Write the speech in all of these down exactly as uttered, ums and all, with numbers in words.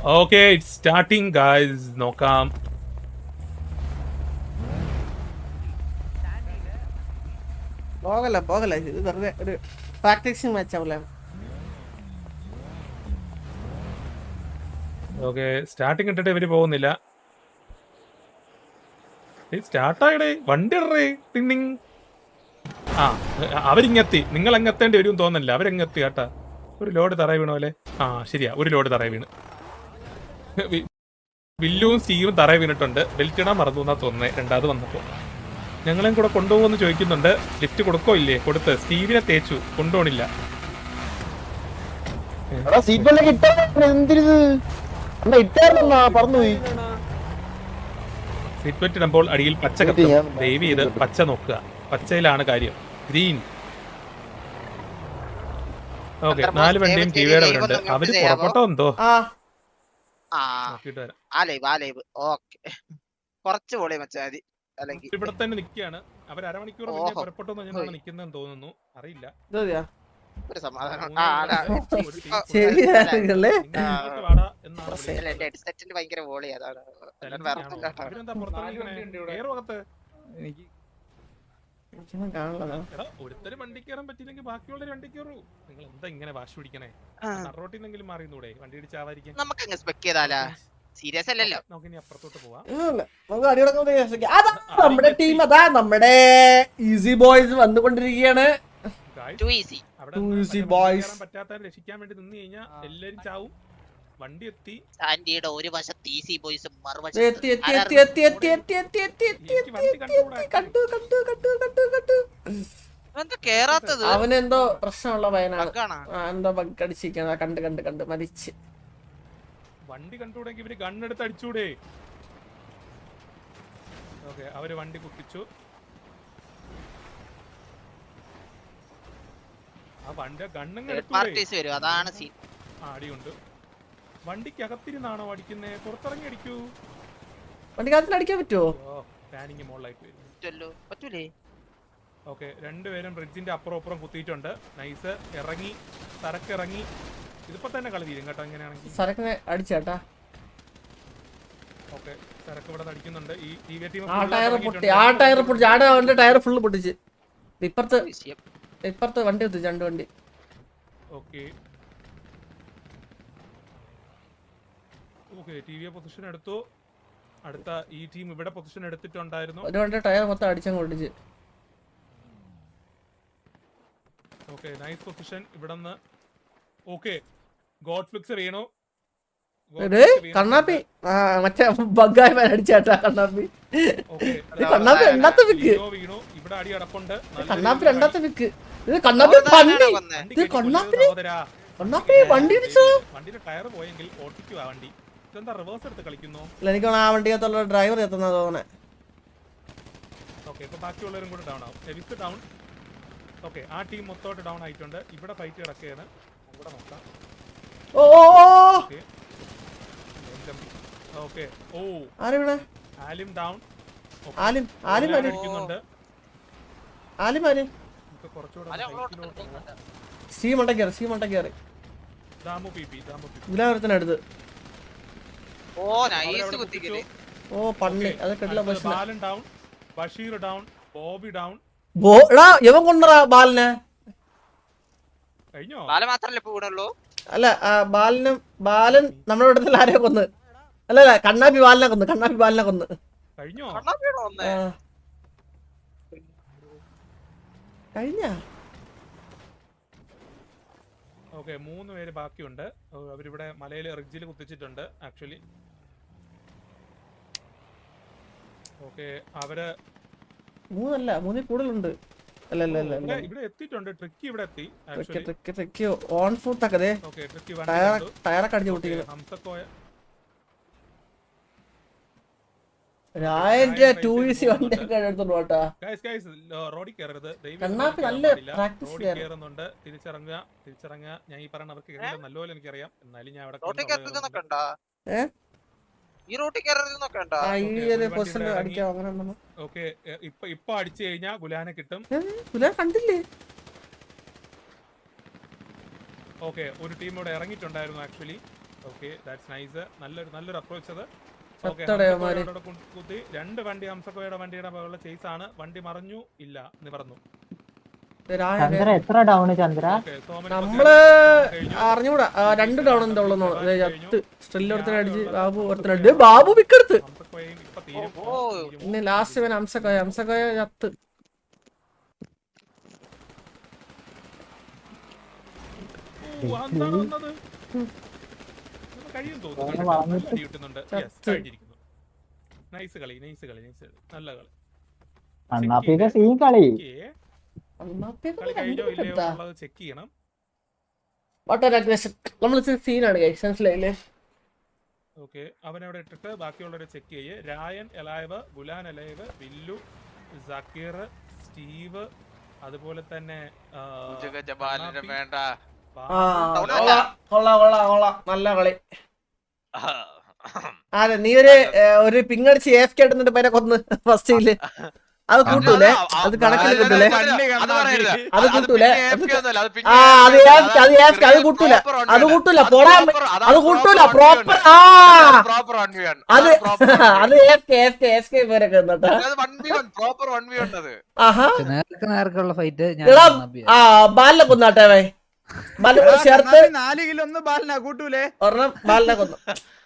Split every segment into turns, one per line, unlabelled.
Okay, it's starting, guys. നോക്കാം.
പോകല പോകല ഇത് വെറുതെ ഒരു പ്രാക്ടീസിങ് മാച്ച് ആവൂല.
ഓക്കെ, സ്റ്റാർട്ടിങ് ഇട്ടിട്ട് ഇവര് പോകുന്നില്ല. സ്റ്റാർട്ടായിടേ, വണ്ടി ഇടറേ. ടിങ്. ആ, അവരിങ്ങെത്തി. നിങ്ങൾ എങ്ങെത്തേണ്ടി വരും തോന്നില്ല. അവരെങ്ങെത്തി കേട്ടാ. ഒരു ലോഡ് തറ വീണ പോലെ. ആ ശരിയാ, ഒരു ലോഡ് തറ വീണ്. വില്ലും സ്റ്റീവും തറ വീണിട്ടുണ്ട്. ബെൽറ്റ് ഇടാൻ മറന്നു എന്നാ തോന്നുന്നത് രണ്ടാമത് വന്നപ്പോ. ഞങ്ങളെയും കൂടെ കൊണ്ടുപോകുമെന്ന് ചോദിക്കുന്നുണ്ട്. ലിഫ്റ്റ് കൊടുക്കോ ഇല്ലേ? കൊടുത്ത് സ്റ്റീവിനെ തേച്ചു, കൊണ്ടുപോണില്ല. സീറ്റ് ബെൽറ്റ് ഇടുമ്പോൾ അടിയിൽ പച്ച കത്തും. ദയവ് ചെയ്ത് പച്ച നോക്കുക. പച്ചയിലാണ് കാര്യം. ഗ്രീൻ. ഓക്കെ, നാല് വണ്ടിയും ടിവിയുടെ അവരുണ്ട്. അവര് പുറപ്പെട്ടോ എന്തോ. ഇവിടെ തന്നെ നിൽക്കുകയാണ്. അവർ അരമണിക്കൂർ മുന്നേ പുറപ്പെട്ടു എന്നാണ് നിൽക്കുന്നതെന്ന് തോന്നുന്നു. അറിയില്ല. ഒരുത്തര് വണ്ടി കയറാൻ പറ്റിയില്ലെങ്കിൽ ബാക്കിയുള്ളവര് വണ്ടി കയറൂ. നിങ്ങൾ എന്താ ഇങ്ങനെ വാശി പിടിക്കണേ? റോട്ടിന്നെങ്കിലും മാറിന്നൂടെ? വണ്ടി ഇടിച്ചാവാതിരിക്കാൻ.
സീരിയസ് അല്ലല്ലോ.
നമുക്കിനി അപ്പുറത്തോട്ട് പോവാം.
നമ്മുടെ ടീം അതാ, നമ്മുടെ ഈസി ബോയ്സ് വന്നുകൊണ്ടിരിക്കുകയാണ്.
പറ്റാത്തവരെ രക്ഷിക്കാൻ വേണ്ടി നിന്ന് കഴിഞ്ഞാൽ എല്ലാരും ചാവും. വണ്ടി എത്തി.
സാൻഡിയുടെ ഒരു വശത്ത് ഈസി ബോയ്സും മറുവശത്ത്
അവനെന്തോ പ്രശ്നമുള്ള പയ്യനാണ്. എന്തോ ബഗ് അടിച്ചിരിക്കുന്ന കണ്ട് കണ്ട് കണ്ട് മരിച്ച്.
വണ്ടി കണ്ടുകൂടെങ്കിൽ ഇവര് ഗണ്ണെടുത്ത് അടിച്ചൂടെ? ഓക്കെ, അവര് വണ്ടി കുത്തിച്ചു. ആ വണ്ടി ഗണ്ണങ്ങ്
അതാണ്
അടിയുണ്ട്. വണ്ടിക്കകത്തിരുന്നാണോ അടിക്കുന്നേ? പുറത്തിറങ്ങി അടിക്കൂ.
വണ്ടിക്കകത്തിൽ അടിക്കാൻ പറ്റുമോ?
പാനിങ് മോളിലായിട്ട് വരും.
പറ്റൂലേ?
ഓക്കെ, രണ്ടുപേരും ബ്രിഡ്ജിന്റെ അപ്പുറം അപ്പുറം കുത്തിയിട്ടുണ്ട്. നൈസ്. ഇറങ്ങി, സരക്കിറങ്ങി. ഇതിപ്പോ തന്നെ കളി തീരും കേട്ടോ. എങ്ങനെയാണെങ്കിൽ
സരക്കിനെ അടിച്ചേട്ടാ.
ഓക്കെ, സരക്ക് ഇവിടെ അടിക്കുന്നുണ്ട്. ഈ ടീം
ആ ടയർ പൊട്ടി, ആ ടയർ പൊട്ടി, ആ അവന്റെ ടയർ ഫുള്ള് പൊട്ടിച്ച്. ഇപ്പുറത്ത് ഇപ്പുറത്ത് വണ്ടി കുത്തിച്ച്, രണ്ട് വണ്ടി.
Okay okay, T V position എടുത്തു. അടുത്ത ഈ ടീം ഇവിടെ പൊസിഷൻ എടുത്തിട്ടുണ്ടായിരുന്നു.
ഒരു വണ്ടി ടയർ മൊത്തം അടിച്ചങ്ങ് പൊട്ടിച്ച്.
ഓക്കെ, നൈസ് പൊസിഷൻ ഇവിടെന്ന്. ഓക്കെ, ഗോഡ് ഫ്ലിക്സ് വീണു.
കണ്ണാപ്പി മറ്റേ ബഗ്ഗായ അടിച്ചാട്ടാ. കണ്ണാപ്പി കണ്ണാപ്പി രണ്ടാമത്തെ വിക്ക്.
ഇവിടെ അടി അടപ്പുണ്ട്.
കണ്ണാപ്പി രണ്ടാമത്തെ വിക്ക്. ഇത് കണ്ണാപ്പി പന്നി. ഇത് കണ്ണാപ്പി കണ്ണാപ്പി വണ്ടി ഇടിച്ചോ.
വണ്ടിയുടെ ടയർ പോയെങ്കിൽ ഓട്ടിക്കുവാ വണ്ടി. ഇതെന്താ റിവേഴ്സ് എടുത്ത് കളിക്കുന്നു?
എനിക്ക് ആ വണ്ടിക്കകത്തുള്ള ഡ്രൈവർ എത്തുന്ന തോന്നണേ.
ഓക്കെ, ഇപ്പൊ ബാക്കിയുള്ളവരും കൂടെ ഡൗൺ ആവും. എവിത്ത് ഡൗൺ. ഓക്കെ, ആ ടീം മൊത്തമായിട്ട് ഡൗൺ ആയിട്ടുണ്ട്. ഇവിടെ ഫൈറ്റ് കിടക്കുകയാണ്. ഇവിടെ നോക്കാം.
ഓ
ഓക്കെ, ഓ
ആരെവിടെ?
ആലിം ഡൗൺ.
ആലിം ആലിം
അടിക്കുന്നുണ്ട്.
ആലിം ആലിം സി മണ്ടക്കേറി, സി മണ്ടക്കേറി.
ദാമു പിപി, ദാമു പിപി
ഗുലാവരത്തിനടുത്ത്.
ഓ നൈസ് കുത്തിക്കല്.
ഓ പണ്ണി, അത് കണ്ടില്ല.
Balan down, Basheer down, Bobby down.
ബോടാ യവൻ കൊണ്ടറാ ബാലനെ.
കഴിഞ്ഞോ?
ബാല മാത്രല്ലേ ഇപ്പോ വീണുള്ളൂ?
അല്ല, ബാലനും ബാലൻ നമ്മുടെ ഇടത്തിൽ ആരെയോ കൊന്ന്. അല്ല അല്ല കണ്ണാപ്പി ബാലിനെ കൊന്ന്, കണ്ണാപ്പി ബാലിനെ കൊന്ന്.
കഴിഞ്ഞോ?
കഴിഞ്ഞ.
ഓക്കെ, മൂന്ന് പേര് ബാക്കിയുണ്ട്. അവരിവിടെ മലയില് റിഡ്ജിൽ കുത്തിച്ചിട്ടുണ്ട് ആക്ച്വലി. ഓക്കെ, അവര്
മൂന്നല്ല, മൂന്നിൽ കൂടുതലുണ്ട്. അല്ല അല്ല അല്ല
ഇവിടെ എത്തിയിട്ടുണ്ട്. ട്രിക്കി ഇവിടെ എത്തി.
ട്രിക്കി ട്രിക്കി ഓൺ ഫുട്ട് ആക്കതേ.
ഓക്കെ, ട്രിക്കി
ടയറൊക്കെ അടിച്ചു പൊട്ടിക്കുന്നു.
ഹംസക്കോയ
കണ്ണാപ്പി നല്ല പ്രാക്ടീസ്
കയറുന്നുണ്ട്. തിരിച്ചിറങ്ങുക, തിരിച്ചിറങ്ങുക. ഞാൻ ഈ പറഞ്ഞ അവർക്ക് നല്ലപോലെ എനിക്കറിയാം. എന്നാലും ഞാൻ അവിടെ ഓക്കെ, ഇപ്പൊ ഇപ്പൊ അടിച്ചു കഴിഞ്ഞാൽ ഗുലാനെ കിട്ടും.
കണ്ടില്ലേ?
ഓക്കെ, ഒരു ടീം ഇവിടെ ഇറങ്ങിയിട്ടുണ്ടായിരുന്നു ആക്ച്വലി. Okay that's nice. നല്ലൊരു നല്ലൊരു അപ്രോച്ച് അത്. ഓക്കെ
സത്തടയമാര്
കുത്തി രണ്ട് വണ്ടി ഹംസക്കോയുടെ വണ്ടിയുടെ മുകളിലെ ചേസ് ആണ്. വണ്ടി മറഞ്ഞു ഇല്ല നിവർന്നു.
ചന്ദ്ര എത്ര ഡൗൺ ചന്ദ്ര?
ഓക്കെ സോമൻ
നമ്മള് അറിഞ്ഞൂടാ ആ, രണ്ട് ടൗൺ എന്താ ഉള്ളു സ്ട്രില്ല് ഒരുത്തനെ അടിച്ച് ബാബു ഒരുത്തനെ അടിച്ച് ബാബു പിക്കെടുത്ത്
ഹംസക്കോയും ഇപ്പൊ തീരും.
ഓ
പിന്നെ ലാസ്റ്റ് ഇവൻ ഹംസക്കോയ ഹംസക്കോയ ചത്ത്.
ഓ, അതെന്താണ് വന്നത്? നമുക്ക് കഴിയും തോന്നുന്നു. അടി കിട്ടുന്നുണ്ട്. Yes, കഴിഞ്ഞിരിക്കുന്നു. നൈസ് കളി നൈസ് കളി നൈസ് നല്ല കളി.
അണ്ണാപ്പിയുടെ സീൻ കളി.
ഓക്കേ. കളി കഴിഞ്ഞോ ഇല്ലയോ എന്നുള്ളത് ചെക്ക് ചെയ്യണം.
നമ്മൾ സീനാണ് മനസ്സിലായില്ലേ?
ഓക്കെ അവനവിടെ ഇട്ടിട്ട് ബാക്കിയുള്ളവരെ ചെക്ക് ചെയ്യേ. രായൻ എലൈവ്, ഗുലാൻ എലൈവ്, വില്ലു, സക്കീർ, സ്റ്റീവ്, അതുപോലെ തന്നെ ആ,
വേണ്ട
ആ കൊള്ളാം കൊള്ളാം കൊള്ളാം കൊള്ളാം നല്ല കളി. അതെ നീ ഒരു ഒരു പിങ്ങടിച്ച് എഫ് കെ ഇടുന്നിട്ട് പേരെ കൊന്ന് ഫസ്റ്റില് അത് കൂട്ടൂലേ? അത് കണക്കിൽ കൂട്ടൂലേ? അത് കൂട്ടൂലേ? ആ അത് AFK, അത് AFK, അത് കൂട്ടൂല അത് കൂട്ടൂല പോടാ അത് കൂട്ടൂല പ്രോപ്പർ. ആ അത് അത് AFK AFK AFK പേരൊക്കെ എന്നിട്ടാ ആഹാ
നേർക്കുള്ള ഫൈറ്റ്
എടാ ആ ബാലിനെ കൊന്നാട്ടെ വേ ബാലിനെ കൊന്ന് ചേർത്ത്
നാല് കിലോ ഒന്ന് ബാലിനാ കൂട്ടൂലേ?
ഒരെണ്ണം ബാലിനെ കൊന്നു.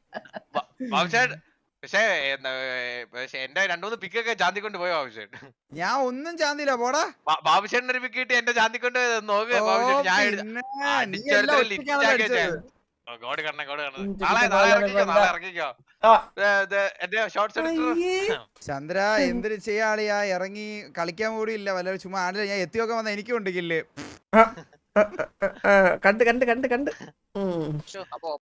പക്ഷേ പക്ഷെ എന്റെ രണ്ടുമൂന്ന് പിക്കൊക്കെ ചാന്തിക്കൊണ്ട് പോയോ ബാബുഷേൻ?
ഞാൻ ഒന്നും ചാന്തില്ല പോടാ.
ബാബുഷേൻ ഒരു പിക്ക് കിട്ടി എന്റെ ചാന്തിക്കൊണ്ട് നോക്ക്
ഓ,
ബാബുഷേൻ. ഞാൻ എടുത്ത-
പിന്നെ
ആ,
നീ
അടിച്ചെടുത്ത്
എല്ലാം
ലിറ്റ്
ഒറ്റയ്ക്കാണല്ലോ
ആക്കി വെച്ചേ.
അടിച്ചത്.
ഓ, ഗോഡ് കണ്ണേ ഗോഡ് കണ്ണേ.
ഉം,
നാളെ
ചുറ്റിക്ക്
നാളെ
ബാലനെ
ഇറങ്ങിക്കോ
കൊണ്ട.
നാളെ ഇറങ്ങിക്കോ.
ആ
ദേ, ദേ, എന്റെ ഷോർട്സ് എടുത്തു.
അയ്യേ.
ചന്ദ്ര എന്തൊരു ചെയ്യാളിയാ, ഇറങ്ങി കളിക്കാൻ കൂടി ഇല്ല വല്ല ചുമ്മാ ആടില്ല. ഞാൻ എത്തിയൊക്കെ വന്ന എനിക്കും ഉണ്ട് കില്ല്.
ആ, ആ, ആ, ആ, കണ്ട് കണ്ട് കണ്ട് കണ്ട് ഉം
അപ്പൊ